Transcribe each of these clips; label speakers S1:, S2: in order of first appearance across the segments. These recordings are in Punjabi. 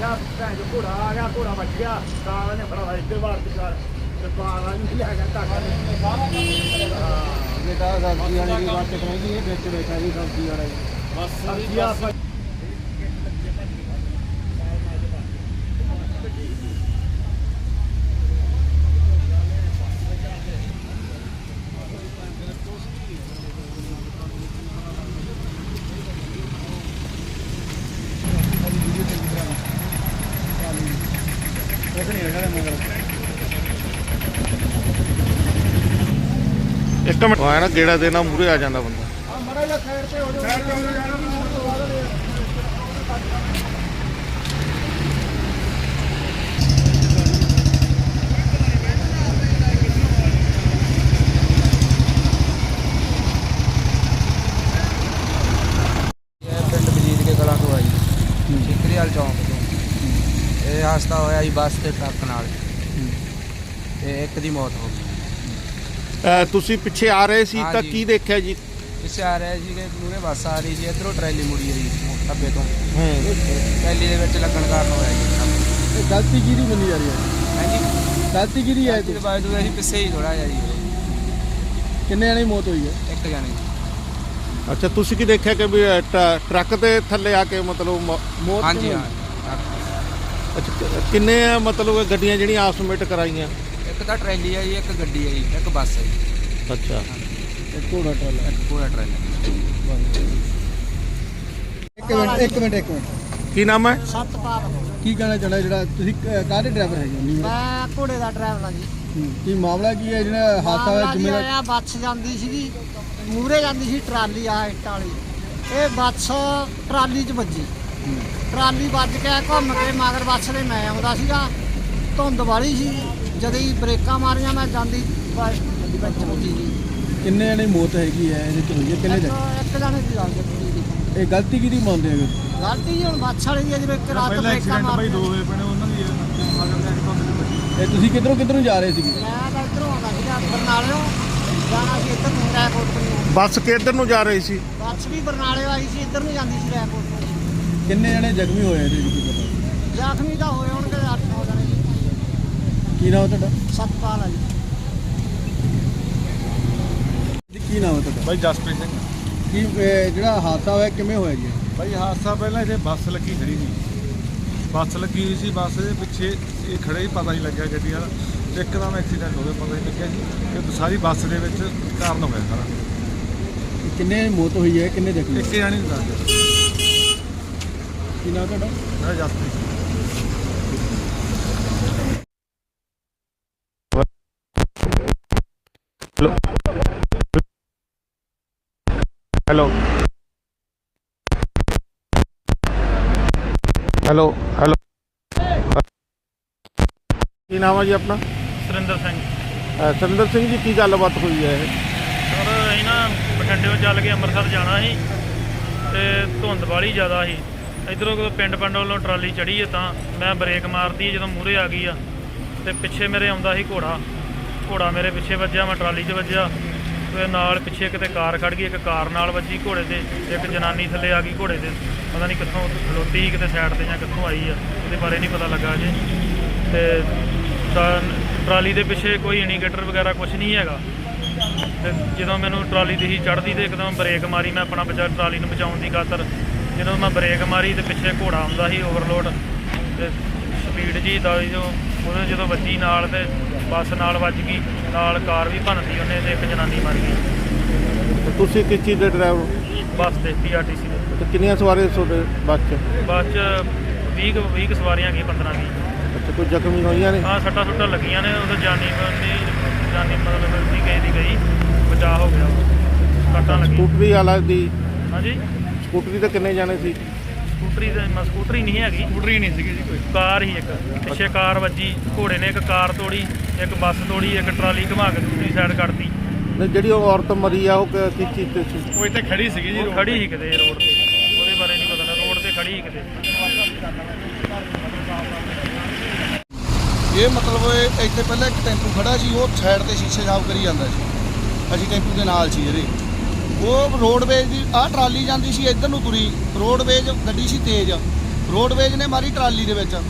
S1: ਗਿਆ ਭੈਣ ਜੋ ਘੋੜਾ ਆ ਗਿਆ, ਘੋੜਾ ਵੱਜ ਗਿਆ ਤਾਂ ਨੇ ਭਰਾ ਇੱਧਰ ਵਾਰ ਕਰ ਤੇ ਪਾਲਾ ਨਹੀਂ ਲੈ ਗਿਆ ਧਾਗਾ
S2: ਬੇਟਾ ਸਬਜ਼ੀ ਵਾਲੇ ਦੀ ਬਾਤ ਕਰਾਂਗੀ ਇਹ ਵਿੱਚ ਬੈਠਾ ਜੀ ਸਬਜ਼ੀ ਵਾਲਾ ਜੀ
S1: ਬਸ ਸਬਜ਼ੀ ਆਪਾਂ
S3: ਇੱਕ ਮਿੰਟ ਆਇਆ ਨਾ ਗੇੜਾ ਦੇਣਾ ਮੂਰੇ ਆ ਜਾਂਦਾ ਬੰਦਾ।
S1: ਮੜਾ ਜਾ ਸਾਈਡ ਤੇ ਹੋ ਜਾ
S2: ਪਿੰਡ ਬਜੀਤ ਕੇ ਕਲਾਂ ਤੋਂ ਆ ਜੀ ਠੀਕਰੀਵਾਲ ਚੌਂਕ ਤੋਂ। ਇਹ ਹਾਦਸਾ ਹੋਇਆ ਜੀ ਬੱਸ ਤੇ ਟਰੱਕ ਨਾਲ ਤੇ ਇੱਕ ਦੀ ਮੌਤ ਹੋ ਗਈ।
S3: ਤੁਸੀਂ ਪਿੱਛੇ ਆ ਰਹੇ ਸੀ ਤਾਂ
S2: ਹਾਂਜੀ।
S3: ਕੀ ਦੇਖਿਆ ਜੀ?
S2: ਪਿੱਛੇ ਆ ਰਿਹਾ ਸੀ ਕਿ ਮੂਹਰੇ ਬੱਸ ਆ ਰਹੀ ਸੀ, ਇੱਧਰੋਂ ਟਰੈਲੀ ਮੁੜੀ ਆਈ ਢੱਬੇ ਤੋਂ।
S3: ਹੂੰ
S2: ਟਰੈਲੀ ਦੇ ਵਿੱਚ ਲੱਗਣ ਕਾਰਨ ਹੋਇਆ ਜੀ।
S1: ਇਹ ਗਲਤੀ ਕਿਹਦੀ ਮੰਨੀ ਜਾ ਰਹੀ ਹੈ?
S2: ਹਾਂਜੀ
S1: ਗਲਤੀ ਕਿਹਦੀ ਹੈ?
S2: ਇਹਦੇ ਬਾਅਦ ਅਸੀਂ ਪਿੱਛੇ ਹੀ ਥੋੜਾ ਜਿਹਾ ਜੀ
S1: ਕਿੰਨੇ ਜਣੇ ਦੀ ਮੌਤ ਹੋਈ ਹੈ?
S2: ਇੱਕ ਜਾਣੇ।
S3: ਅੱਛਾ, ਤੁਸੀਂ ਕੀ ਦੇਖਿਆ ਕਿ ਵੀ ਟਰੱਕ ਦੇ ਥੱਲੇ ਆ ਕੇ ਮਤਲਬ
S1: ਮੌਤ
S2: ਹਾਂਜੀ ਹਾਂ।
S3: ਅੱਛਾ, ਕਿੰਨੇ ਮਤਲਬ ਗੱਡੀਆਂ ਜਿਹੜੀਆਂ ਆਪਸ ਵਿੱਚ ਟਕਰਾਈਆਂ?
S2: ਇੱਕ ਤਾਂ ਟਰੈਲੀ ਹੈ ਜੀ, ਇੱਕ ਗੱਡੀ ਹੈ ਜੀ, ਇੱਕ ਬੱਸ ਹੈ ਜੀ।
S3: ਅੱਛਾ,
S1: ਇੱਕ ਘੋੜਾ ਟਰਾਲਾ।
S2: ਇੱਕ ਪੂਰਾ ਟਰੈਲੀ।
S1: ਇੱਕ ਮਿੰਟ
S3: ਕੀ ਨਾਮ ਹੈ?
S4: ਸਤਪਾਲ
S1: ਕੀ ਕਹਿਣਾ ਚਾਹੁੰਦਾ ਜਿਹੜਾ ਤੁਸੀਂ ਕਾਹਦੇ ਡਰਾਈਵਰ ਹੈਗੇ ਹੋ?
S4: ਮੈਂ ਘੋੜੇ ਦਾ ਡਰਾਈਵਰ ਹਾਂ ਜੀ।
S1: ਕੀ ਮਾਮਲਾ ਕੀ ਹੈ ਜਿਹੜਾ ਹਾਦਸਾ ਹੋਇਆ? ਜ਼ਿੰਮੇਵਾਰ
S4: ਆ ਬੱਸ ਜਾਂਦੀ ਸੀਗੀ, ਮੂਹਰੇ ਜਾਂਦੀ ਸੀ ਟਰਾਲੀ ਆ ਇੱਟ ਵਾਲੀ। ਇਹ ਬੱਸ ਟਰਾਲੀ 'ਚ ਵੱਜੀ। ਟਰਾਲੀ ਵੱਜ ਕੇ ਘੁੰਮ ਕੇ ਮਗਰ ਬੱਸ ਦੇ ਮੈਂ ਆਉਂਦਾ ਸੀਗਾ। ਧੁੰਦ ਵਾਲੀ ਸੀ, ਜਦੋਂ ਹੀ ਬ੍ਰੇਕਾਂ ਮਾਰੀਆਂ ਮੈਂ ਜਾਂਦੀ ਬੱਸ ਵਿੱਚ ਵੱਜੀ ਜੀ।
S1: ਕਿੰਨੇ ਜਣੇ ਮੌਤ ਹੈਗੀ ਹੈ ਇਹਦੇ ਚ ਹੋਈ ਹੈ? ਕਿੰਨੇ
S4: ਇੱਕ
S1: ਜਣੇ?
S4: ਇੱਕ ਜਾਣੇ ਦੀ ਗੱਲ ਕੀਤੀ
S1: ਇਹ ਗਲਤੀ ਕਿਹਦੀ ਮੰਨਦੇ ਹੈਗੇ?
S4: ਗਲਤੀ ਜੀ ਹੁਣ ਬੱਸ ਵਾਲੀ ਦੀ ਹੈ, ਜਿਵੇਂ ਇੱਕ ਰਾਤ ਬ੍ਰੇਕਾਂ ਮਾਰ
S1: ਇਹ ਤੁਸੀਂ ਕਿੱਧਰੋਂ ਜਾ ਰਹੇ ਸੀਗੇ?
S4: ਮੈਂ ਤਾਂ ਇੱਧਰੋਂ ਆਉਂਦਾ ਸੀਗਾ ਬਰਨਾਲਿਓਂ, ਜਾਣਾ ਸੀ ਇੱਧਰ ਨੂੰ ਰੈਕੋਟ ਨੂੰ।
S3: ਬੱਸ ਕਿੱਧਰ ਨੂੰ ਜਾ ਰਹੀ ਸੀ?
S4: ਬੱਸ ਵੀ ਬਰਨਾਲਿਓਂ ਆਈ ਸੀ, ਇੱਧਰ ਨੂੰ ਜਾਂਦੀ ਸੀ ਰੈਕੋਟ ਨੂੰ।
S1: ਕਿੰਨੇ ਜਣੇ ਜ਼ਖਮੀ ਹੋਏ ਇਹਦੇ ਵਿੱਚ ਕੀ ਪਤਾ?
S4: ਜ਼ਖਮੀ ਤਾਂ ਹੋਏ ਹੋਣਗੇ 8-9 ਜਣੇ ਜੀ।
S1: ਕੀ ਨਾਮ ਹੈ ਤੁਹਾਡਾ?
S4: ਸਤਪਾਲ ਆ ਜੀ।
S1: ਕੀ ਨਾਮ ਹੈ ਤੁਹਾਡਾ?
S5: ਬਾਈ ਜਸਪ੍ਰੀਤ ਸਿੰਘ।
S1: ਕੀ ਜਿਹੜਾ ਹਾਦਸਾ ਹੋਇਆ ਕਿਵੇਂ ਹੋਇਆ ਜੀ?
S5: ਬਾਈ ਹਾਦਸਾ ਪਹਿਲਾਂ ਇੱਥੇ ਬੱਸ ਲੱਗੀ ਖੜੀ ਸੀ। ਬੱਸ ਲੱਗੀ ਹੋਈ ਸੀ, ਬੱਸ ਦੇ ਪਿੱਛੇ ਇਹ ਖੜੇ ਹੀ ਪਤਾ ਨਹੀਂ ਲੱਗਿਆ ਗੱਡੀ ਵਾਲਾ। ਇੱਕਦਮ ਐਕਸੀਡੈਂਟ ਹੋ ਗਿਆ, ਪਤਾ ਨਹੀਂ ਲੱਗਿਆ ਜੀ। ਇਹ ਸਾਰੀ ਬੱਸ ਦੇ ਵਿੱਚ ਕਾਰਨ ਹੋਇਆ ਸਾਰਾ।
S1: ਕਿੰਨੇ ਮੌਤ ਹੋਈ ਹੈ, ਕਿੰਨੇ ਜ਼ਖਮੀ?
S5: ਇੱਕ ਜਾਣੀ ਨਹੀਂ ਦੱਸਦੇ।
S1: ਕੀ ਨਾਮ ਤੁਹਾਡਾ?
S5: ਮੈਂ Jaspreet Singh.
S3: Hello hello hello ਕੀ ਨਾਮ ਹੈ ਜੀ ਆਪਣਾ?
S6: ਸੁਰਿੰਦਰ ਸਿੰਘ।
S3: ਸੁਰਿੰਦਰ ਸਿੰਘ ਜੀ, ਕੀ ਗੱਲਬਾਤ ਹੋਈ ਹੈ ਇਹ?
S6: ਸਰ ਅਸੀਂ ਨਾ ਬਠਿੰਡਿਓਂ ਚੱਲ ਕੇ ਅੰਮ੍ਰਿਤਸਰ ਜਾਣਾ ਸੀ ਤੇ ਧੁੰਦ ਵਾਲੀ ਜ਼ਿਆਦਾ ਸੀ। ਇੱਧਰੋਂ ਪਿੰਡ ਵੱਲੋਂ ਟਰਾਲੀ ਚੜ੍ਹੀ ਹੈ ਤਾਂ ਮੈਂ ਬ੍ਰੇਕ ਮਾਰਦੀ ਜਦੋਂ ਮੂਹਰੇ ਆ ਗਈ ਆ ਤੇ ਪਿੱਛੇ ਮੇਰੇ ਆਉਂਦਾ ਸੀ ਘੋੜਾ ਮੇਰੇ ਪਿੱਛੇ ਵੱਜਿਆ, ਮੈਂ ਟਰਾਲੀ 'ਚ ਵੱਜਿਆ ਤੇ ਨਾਲ ਪਿੱਛੇ ਕਿਤੇ ਕਾਰ ਖੜ੍ਹ ਗਈ, ਇੱਕ ਕਾਰ ਨਾਲ ਵੱਜੀ ਘੋੜੇ ਦੇ। ਇੱਕ ਜਨਾਨੀ ਥੱਲੇ ਆ ਗਈ ਘੋੜੇ ਦੇ, ਪਤਾ ਨਹੀਂ ਕਿੱਥੋਂ ਖਲੋਤੀ ਸੀ, ਕਿਤੇ ਸਾਈਡ 'ਤੇ ਜਾਂ ਕਿੱਥੋਂ ਆਈ ਆ, ਉਹਦੇ ਬਾਰੇ ਨਹੀਂ ਪਤਾ ਲੱਗਾ ਅਜੇ। ਤੇ ਟਰਾਲੀ ਦੇ ਪਿੱਛੇ ਕੋਈ ਇੰਡੀਕੇਟਰ ਵਗੈਰਾ ਕੁਝ ਨਹੀਂ ਹੈਗਾ। ਤੇ ਜਦੋਂ ਮੈਨੂੰ ਟਰਾਲੀ ਦੀ ਹੀ ਚੜ੍ਹਦੀ ਤੇ ਇੱਕਦਮ ਬ੍ਰੇਕ ਮਾਰੀ ਮੈਂ ਆਪਣਾ ਟਰਾਲੀ ਨੂੰ ਬਚਾਉਣ ਦੀ ਖਾਤਰ। ਜਦੋਂ ਮੈਂ ਬ੍ਰੇਕ ਮਾਰੀ ਤੇ ਪਿੱਛੇ ਘੋੜਾ ਆਉਂਦਾ ਸੀ ਓਵਰਲੋਡ ਤੇ ਸਪੀਡ ਜੀ ਦਾ ਉਹਦੇ ਜਦੋਂ ਵੱਜੀ ਨਾਲ ਤੇ ਬੱਸ ਨਾਲ ਵੱਜ ਗਈ, ਨਾਲ ਕਾਰ ਵੀ ਭੰਨਤੀ ਉਹਨੇ ਤੇ ਇੱਕ ਜਨਾਨੀ ਮਰ ਗਈ।
S3: ਤੁਸੀਂ ਕਿਸ ਚੀਜ਼ ਦੇ ਡਰਾਈਵਰ?
S6: ਬੱਸ ਤੇ PRTC ਦੇ।
S3: ਤੇ ਕਿੰਨੀਆਂ ਸਵਾਰੀਆਂ ਤੁਹਾਡੇ ਬੱਸ 'ਚ?
S6: ਬੱਸ 'ਚ 20 ਸਵਾਰੀਆਂ ਗਈ, 15-20।
S3: ਅੱਛਾ, ਕੋਈ ਜ਼ਖਮੀ ਹੋਈਆਂ ਨੇ?
S6: ਹਾਂ, ਸੱਟਾਂ ਲੱਗੀਆਂ ਨੇ। ਉਹਦਾ ਜਾਨੀ ਮਤਲਬ ਨਹੀਂ ਗਈ, ਬਚਾਅ ਹੋ ਗਿਆ। ਸੱਟਾਂ ਲੱਗੀਆਂ।
S3: ਸਕੂਟਰੀ ਵਾਲਾ ਦੀ?
S6: ਹਾਂਜੀ,
S3: ਸਕੂਟਰੀ ਤੇ ਕਿੰਨੇ ਜਾਣੇ ਸੀ?
S6: ਸਕੂਟਰੀ ਨਹੀਂ ਹੈਗੀ, ਸਕੂਟਰੀ ਨਹੀਂ ਸੀਗੀ ਜੀ, ਕੋਈ ਕਾਰ ਹੀ। ਇੱਕ ਪਿੱਛੇ ਕਾਰ ਵੱਜੀ, ਘੋੜੇ ਨੇ ਇੱਕ ਕਾਰ ਤੋੜੀ, ਇੱਕ ਬੱਸ ਤੋੜੀ, ਇੱਕ ਟਰਾਲੀ ਘੁਮਾ ਕੇ ਦੂਸਰੀ ਸਾਈਡ ਕੱਢਤੀ।
S3: ਜਿਹੜੀ ਉਹ ਔਰਤ ਮਰੀ ਆ ਉਹ ਕਿਸ ਚੀਜ਼ ਤੇ ਸੀ?
S6: ਉਹ ਇੱਥੇ ਖੜੀ ਸੀਗੀ ਜੀ, ਖੜੀ ਸੀ ਕਿਤੇ ਰੋਡ ਤੇ, ਉਹਦੇ ਬਾਰੇ ਨਹੀਂ ਪਤਾ, ਰੋਡ ਤੇ ਖੜੀ ਸੀ ਕਿਤੇ।
S7: ਇਹ ਮਤਲਬ ਇੱਥੇ ਪਹਿਲਾਂ ਇੱਕ ਟੈਂਪੂ ਖੜਾ ਸੀ, ਉਹ ਸਾਈਡ ਤੇ ਸ਼ੀਸ਼ੇ ਸਾਫ਼ ਕਰੀ ਜਾਂਦਾ ਸੀ। ਅਸੀਂ ਟੈਂਪੂ ਦੇ ਨਾਲ ਸੀ ਇਹਦੇ। ਉਹ ਰੋਡਵੇਜ਼ ਦੀ ਆਹ ਟਰਾਲੀ ਜਾਂਦੀ ਸੀ ਇੱਧਰ ਨੂੰ ਤੁਰੀ, ਰੋਡਵੇਜ਼ ਗੱਡੀ ਸੀ ਤੇਜ਼, ਰੋਡਵੇਜ ਨੇ ਮਾਰੀ ਟਰਾਲੀ ਦੇ ਵਿੱਚ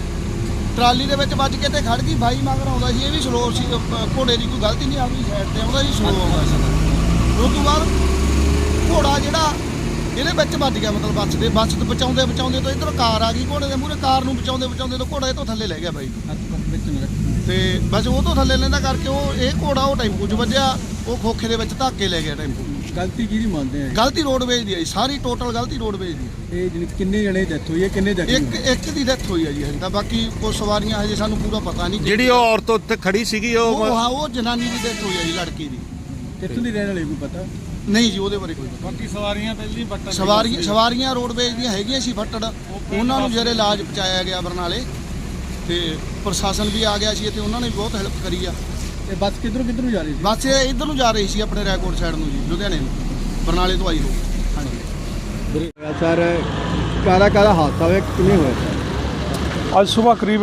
S7: ਵੱਜ ਕੇ ਤੇ ਖੜ ਗਈ। ਬਾਈ ਮਗਰ ਆਉਂਦਾ ਸੀ, ਇਹ ਵੀ ਸਲੋ ਸੀ, ਘੋੜੇ ਦੀ ਕੋਈ ਗਲਤੀ ਨਹੀਂ, ਆਪਣੀ ਸਾਈਡ ਤੇ ਆਉਂਦਾ ਸੀ, ਸਲੋ ਆਉਂਦਾ ਸੀ। ਉਸ ਤੋਂ ਬਾਅਦ ਘੋੜਾ ਜਿਹੜਾ ਇਹਦੇ ਵਿੱਚ ਵੱਜ ਗਿਆ, ਮਤਲਬ ਬੱਸ ਤੋਂ ਬਚਾਉਂਦੇ ਤੋਂ ਇੱਧਰ ਕਾਰ ਆ ਗਈ ਘੋੜੇ ਦੇ ਮੂਹਰੇ, ਕਾਰ ਨੂੰ ਬਚਾਉਂਦੇ ਤੋਂ ਘੋੜਾ ਇਹ ਤੋਂ ਥੱਲੇ ਲੈ ਗਿਆ ਬਾਈ। ਤੇ ਬਸ ਉਹ ਤੋਂ ਥੱਲੇ ਲੈਂਦਾ ਕਰਕੇ ਇਹ ਘੋੜਾ ਉਹ ਟੈਂਪੂ 'ਚ ਵੱਜਿਆ, ਉਹ ਖੋਖੇ ਦੇ ਵਿੱਚ ਧੱਕੇ ਲੈ ਗਿਆ ਟੈਂਪੂ।
S8: ਗਲਤੀ ਕਿਹਦੀ ਮੰਨਦੇ ਆ?
S7: ਗਲਤੀ ਰੋਡਵੇਜ ਦੀ ਹੈ ਜੀ, ਸਾਰੀ ਟੋਟਲ ਗਲਤੀ ਰੋਡਵੇਜ ਦੀ।
S8: ਇਹ ਕਿੰਨੇ ਜਣੇ ਡੈਥ ਹੋਈ ਹੈ, ਕਿੰਨੇ ਜ਼ਖਮੀ?
S7: ਇੱਕ ਦੀ ਡੈਥ ਹੋਈ ਹੈ ਜੀ ਹਜੇ ਤਾਂ, ਬਾਕੀ ਕੁਝ ਸਵਾਰੀਆਂ ਹਜੇ ਸਾਨੂੰ ਪੂਰਾ ਪਤਾ ਨਹੀਂ।
S3: ਜਿਹੜੀ ਉਹ ਔਰਤ ਉੱਥੇ ਖੜੀ ਸੀਗੀ
S7: ਉਹ ਜਨਾਨੀ ਦੀ ਡੈਥ ਹੋਈ ਹੈ ਜੀ, ਲੜਕੀ ਦੀ।
S8: ਕਿੱਥੋਂ ਦੀ ਰਹਿਣ ਵਾਲੀ ਕੋਈ ਪਤਾ
S7: ਨਹੀਂ ਜੀ ਉਹਦੇ ਬਾਰੇ ਕੋਈ ਪਤਾ।
S5: ਬਾਕੀ ਸਵਾਰੀਆਂ ਪਹਿਲੀ ਬੱਟਾ
S7: ਸਵਾਰੀਆਂ ਰੋਡਵੇਜ ਦੀਆਂ ਹੈਗੀਆਂ ਸੀ ਫੱਟੜ, ਉਹਨਾਂ ਨੂੰ ਜਿਹੜੇ ਇਲਾਜ ਪਹੁੰਚਾਇਆ ਗਿਆ ਬਰਨਾਲੇ, ਤੇ ਪ੍ਰਸ਼ਾਸਨ ਵੀ ਆ ਗਿਆ ਸੀ ਤੇ ਉਹਨਾਂ ਨੇ ਵੀ ਬਹੁਤ ਹੈਲਪ ਕਰੀ ਆ।
S8: ਇਹ ਬੱਸ ਕਿੱਧਰੋਂ ਜਾ ਰਹੀ ਸੀ?
S7: ਬੱਸ ਇਹ ਇੱਧਰ ਨੂੰ ਜਾ ਰਹੀ ਸੀ, ਆਪਣੇ ਰੈਕੋਰਡ ਸਾਈਡ ਨੂੰ ਜੀ, ਲੁਧਿਆਣੇ ਨੂੰ, ਬਰਨਾਲੇ ਤੋਂ ਆਈ ਹੋ। ਹਾਂਜੀ
S8: ਸਰ ਕਾਹਦਾ ਹਾਦਸਾ ਹੋਇਆ, ਕਿਵੇਂ ਹੋਇਆ ਸਰ?
S9: ਅੱਜ ਸਵੇਰ ਕਰੀਬ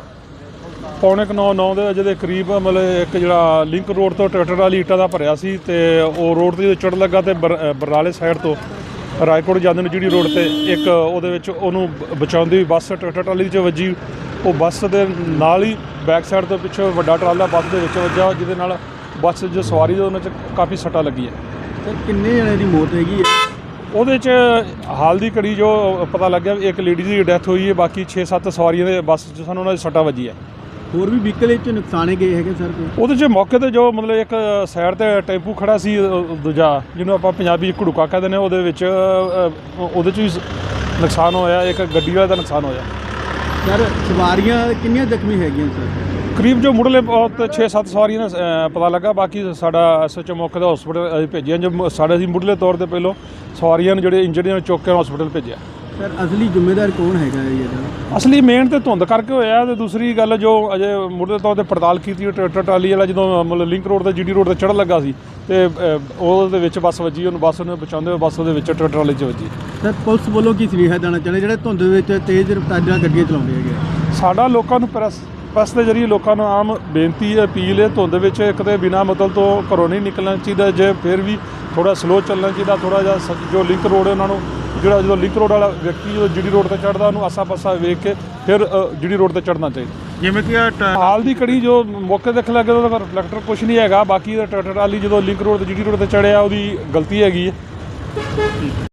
S9: 8:45-9 ਦੇ ਵਜੇ ਦੇ ਕਰੀਬ ਮਤਲਬ ਇੱਕ ਜਿਹੜਾ ਲਿੰਕ ਰੋਡ ਤੋਂ ਟਰੈਕਟਰ ਵਾਲੀ ਇੱਟਾਂ ਦਾ ਭਰਿਆ ਸੀ, ਤੇ ਉਹ ਰੋਡ ਤੇ ਚੜ੍ਹ ਲੱਗਾ ਤੇ ਬਰਨਾਲੇ ਸਾਈਡ ਤੋਂ ਰਾਏਕੋਟ ਜਾਂਦੇ ਨੂੰ ਜਿਹੜੀ ਰੋਡ ਤੇ ਇੱਕ ਉਹਦੇ ਵਿੱਚ ਉਹਨੂੰ ਬਚਾਉਂਦੀ ਬੱਸ ਟਰੈਕਟਰ ਟਰਾਲੀ 'ਚ ਵੱਜੀ। ਉਹ ਬੱਸ ਦੇ ਨਾਲ ਹੀ ਬੈਕ ਸਾਈਡ ਤੋਂ ਪਿੱਛੇ ਵੱਡਾ ਟਰਾਲਾ ਬੱਸ ਦੇ ਵਿੱਚ ਵੱਜਾ, ਜਿਹਦੇ ਨਾਲ ਬੱਸ ਜੋ ਸਵਾਰੀ ਦੇ ਉਹਨਾਂ 'ਚ ਕਾਫੀ ਸੱਟਾਂ ਲੱਗੀਆਂ।
S8: ਸਰ ਕਿੰਨੇ ਜਣੇ ਦੀ ਮੌਤ ਹੈਗੀ ਹੈ?
S9: ਉਹਦੇ 'ਚ ਹਾਲ ਦੀ ਘੜੀ ਜੋ ਪਤਾ ਲੱਗਿਆ ਵੀ ਇੱਕ ਲੇਡੀ ਦੀ ਡੈਥ ਹੋਈ ਹੈ, ਬਾਕੀ 6-7 ਸਵਾਰੀਆਂ ਦੇ ਬੱਸ 'ਚ ਸਾਨੂੰ ਉਹਨਾਂ ਦੀ ਸੱਟਾਂ ਵੱਜੀ ਹੈ।
S8: ਹੋਰ ਵੀ ਵਹੀਕਲ ਇਹ 'ਚ ਨੁਕਸਾਨੇ ਗਏ ਹੈਗੇ ਸਰ ਕੋਈ?
S9: ਉਹਦੇ 'ਚ ਮੌਕੇ ਤੇ ਜੋ ਮਤਲਬ ਇੱਕ ਸਾਈਡ ਤੇ ਟੈਂਪੂ ਖੜਾ ਸੀ, ਦੂਜਾ ਜਿਹਨੂੰ ਆਪਾਂ ਪੰਜਾਬੀ 'ਚ ਘੜੂਕਾ ਕਹਿੰਦੇ ਨੇ, ਉਹਦੇ ਵਿੱਚ ਉਹਦੇ 'ਚ ਵੀ ਨੁਕਸਾਨ ਹੋਇਆ, ਇੱਕ ਗੱਡੀ ਵਾਲੇ ਦਾ ਨੁਕਸਾਨ ਹੋਇਆ।
S8: ਸਰ ਸਵਾਰੀਆਂ ਕਿੰਨੀਆਂ ਜ਼ਖਮੀ ਹੈਗੀਆਂ ਸਰ?
S9: ਕਰੀਬ ਜੋ ਮੁੱਢਲੇ 6-7 ਸਵਾਰੀਆਂ ਨੇ ਪਤਾ ਲੱਗਾ, ਬਾਕੀ ਸਾਡਾ ਐਸਐਚਓ ਮੌਕੇ ਤੇ ਹਸਪੀਟਲ ਭੇਜਿਆ। ਜੋ ਸਾਡੇ ਅਸੀਂ ਮੁੱਢਲੇ ਤੌਰ ਤੇ ਪਹਿਲੋਂ ਸਵਾਰੀਆਂ ਨੂੰ ਜਿਹੜੇ ਇੰਜਰਡ ਨੇ ਚੁੱਕ ਕੇ ਹਸਪੀਟਲ ਭੇਜਿਆ।
S8: ਸਰ ਅਸਲੀ ਜ਼ਿੰਮੇਦਾਰ ਕੌਣ ਹੈਗਾ ਇਹਦਾ?
S9: ਅਸਲੀ ਮੇਨ ਤੇ ਧੁੰਦ ਕਰਕੇ ਹੋਇਆ, ਤੇ ਦੂਸਰੀ ਗੱਲ ਜੋ ਅਜੇ ਮੁੱਢਲੇ ਤੌਰ ਤੇ ਪੜਤਾਲ ਕੀਤੀ, ਟਰੈਕਟਰ ਟਰਾਲੀ ਵਾਲਾ ਜਦੋਂ ਮਤਲਬ ਲਿੰਕ ਰੋਡ ਤੇ ਜੀਡੀ ਰੋਡ ਤੇ ਚੜ੍ਹਨ ਲੱਗਾ ਸੀ ਤੇ ਉਹਦੇ ਵਿੱਚ ਬੱਸ ਵੱਜੀ, ਉਹਨੂੰ ਬੱਸ ਨੂੰ ਬਚਾਉਂਦੇ ਹੋਏ ਬੱਸ ਉਹਦੇ ਵਿੱਚ ਟਰੈਕਟਰ ਟਰਾਲੀ 'ਚ ਵੱਜੀ।
S8: ਸਰ ਪੁਲਿਸ ਵੱਲੋਂ ਕੀ ਸੁਨੇਹਾ ਦੇਣਾ ਚਾਹੁੰਦੇ ਜਿਹੜੇ ਧੁੰਦ ਵਿੱਚ ਤੇਜ਼ ਰਫ਼ਤਾਰ ਨਾਲ ਗੱਡੀਆਂ ਚਲਾਉਂਦੇ ਹੈਗੇ?
S9: ਸਾਡਾ ਲੋਕਾਂ ਨੂੰ ਪ੍ਰੈਸ ਦੇ ਜ਼ਰੀਏ ਲੋਕਾਂ ਨੂੰ ਆਮ ਬੇਨਤੀ ਹੈ, ਅਪੀਲ ਹੈ, ਧੁੰਦ ਵਿੱਚ ਇੱਕ ਤੇ ਬਿਨਾਂ ਮਤਲਬ ਤੋਂ ਘਰੋਂ ਨਹੀਂ ਨਿਕਲਣਾ ਚਾਹੀਦਾ, ਜੇ ਫਿਰ ਵੀ ਥੋੜਾ ਸਲੋ ਚੱਲਣਾ ਚਾਹੀਦਾ। ਥੋੜਾ ਜਿਹਾ ਜੋ ਲਿੰਕ ਰੋਡ ਹੈ ਉਹਨਾਂ ਨੂੰ ਜਿਹੜਾ ਜਦੋਂ ਲਿੰਕ ਰੋਡ ਵਾਲਾ ਵਿਅਕਤੀ ਜਦੋਂ ਜੀਡੀ ਰੋਡ ਤੇ ਚੜ੍ਹਦਾ ਉਹਨੂੰ ਆਸਾ ਪਾਸਾ ਵੇਖ ਕੇ ਫਿਰ ਜੀਡੀ ਰੋਡ ਤੇ ਚੜ੍ਹਨਾ ਚਾਹੀਦਾ।
S3: ਜਿਵੇਂ ਕਿ
S9: ਹਾਲ ਦੀ ਘੜੀ ਜੋ ਮੌਕੇ ਦੇਖ ਲੱਗੇ ਉਹਦਾ ਰਿਫਲੈਕਟਰ ਕੁਝ ਨਹੀਂ ਹੈਗਾ, ਬਾਕੀ ਦਾ ਟਰੈਕਟਰ ਵਾਲੀ ਜਦੋਂ ਲਿੰਕ ਰੋਡ ਤੇ ਜੀਡੀ ਰੋਡ ਤੇ ਚੜ੍ਹਿਆ ਉਹਦੀ ਗਲਤੀ ਹੈਗੀ ਹੈ।